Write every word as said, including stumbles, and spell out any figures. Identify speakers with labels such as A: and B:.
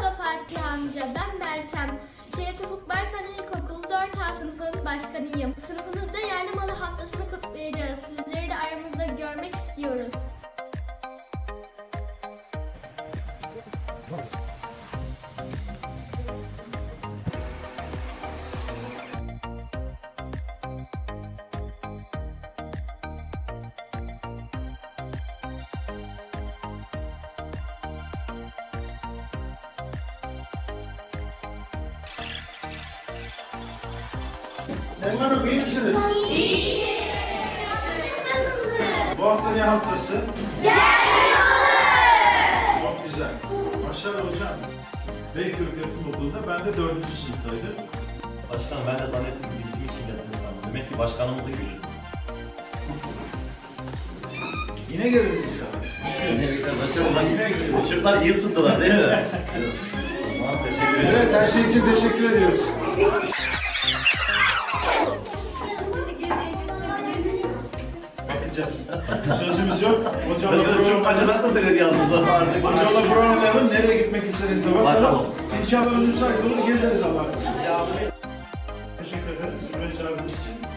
A: Merhaba Fatih amca, ben Meltem. Şehit Ufuk Baysan İlkokulu dört A sınıfının başkanıyım. Sınıfımızda yerli malı haftasını kutlayacağız. Sizleri de aramızda görmek istiyoruz.
B: Elman Hanım iyi misiniz? İyi. Bu hafta ne haftası? Yerli malı. Çok güzel. Maşallah hocam. Beyköy Köprü Okulu'nda ben de dördüncü sınıftaydım.
C: Başkanım ben de zannettim ki bizim için geldiniz sandım. Demek ki başkanımızın gücü.
B: Yine geliriz inşallah.
C: Yine birlikte başkanım.
B: Yine geliriz.
C: Çocuklar iyi ısındılar değil mi? Tamam teşekkür ederim.
B: Evet, her şey için teşekkür ediyoruz. Bakacağız. Sözümüz yok. Hocamla
C: Başkanım çok
B: program
C: acılar da söyledi yalnız ama artık.
B: Hocamla programlayalım. Nereye gitmek isteriz de bakalım.
C: Bakalım.
B: İnşallah önümüzdeki ay dolu gezeriz Allah. Teşekkür ederim. Sizi çağırdığınız için.